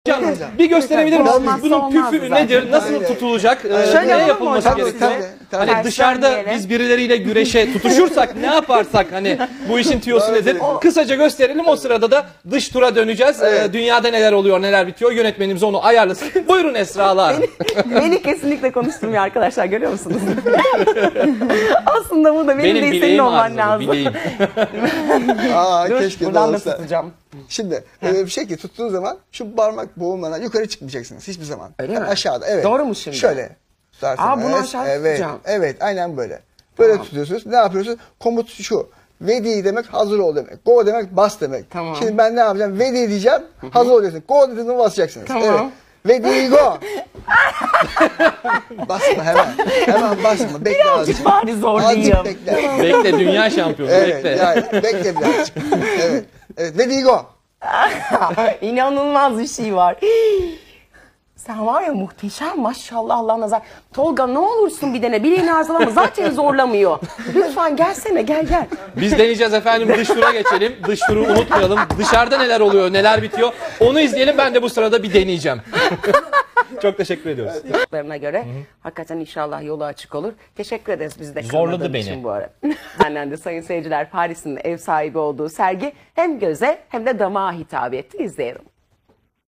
Hocam bir gösterebilir misiniz? Olmazsa Bunun olmaz püfü zaten. nedir? Nasıl Aynen. tutulacak? Şöyle Ne olur mu yapılması hocam? gerekiyor? Tabii. Hani dışarıda Terslenmeyelim. biz birileriyle güreşe tutuşursak ne yaparsak hani bu işin tüyosu nedir? Kısaca gösterelim, o sırada da dış tura döneceğiz. Dünyada neler oluyor, neler bitiyor, yönetmenimiz onu ayarlasın. Buyurun Esra'lar. Beni kesinlikle konuşturmuyor arkadaşlar, görüyor musunuz? Aslında bu da benim değil, senin bileğim olman ağrıdı, lazım. bileğim. Aa, Dur, keşke de buradan da olsa. tutacağım. Şimdi öyle bir şey ki tuttuğun zaman şu parmak boğulmadan yukarı çıkmayacaksınız hiçbir zaman. Öyle Yani mi? aşağıda, evet. Doğru mu şimdi? Şöyle tutarsınız. Aa, bunu aşağı evet, tutacağım. evet, aynen böyle. Böyle tutuyorsunuz. Ne yapıyorsunuz? Komut şu. Ready demek hazır ol demek. Go demek bas demek. Tamam. Şimdi ben ne yapacağım? Ready diyeceğim. Hazır olacaksınız. Go dediğinde basacaksınız. Tamam. Evet. Ready go. Basma hemen. Hemen basma. Bekle azıcık. Bari zorlayayım. Azıcık bekle. Bekle, dünya şampiyonu, Evet. bekle. Yani bekle birazcık. Evet. Evet. Ready go. İnanılmaz bir şey var. Sen var ya, muhteşem maşallah, Allah nazar. Tolga ne olursun bir dene, bileğini arzulama, zaten zorlamıyor. Lütfen gelsene, gel. Biz deneyeceğiz efendim, dış tura geçelim. Dış turu unutmayalım. Dışarıda neler oluyor, neler bitiyor onu izleyelim. Ben de bu sırada bir deneyeceğim. Çok teşekkür ediyoruz. Çocuklarına göre hakikaten inşallah yolu açık olur. Teşekkür ederiz biz de Zorladı kırmadığın beni. için bu ara. Benden de sayın seyirciler, Paris'in ev sahibi olduğu sergi hem göze hem de damağa hitap etti. İzleyelim.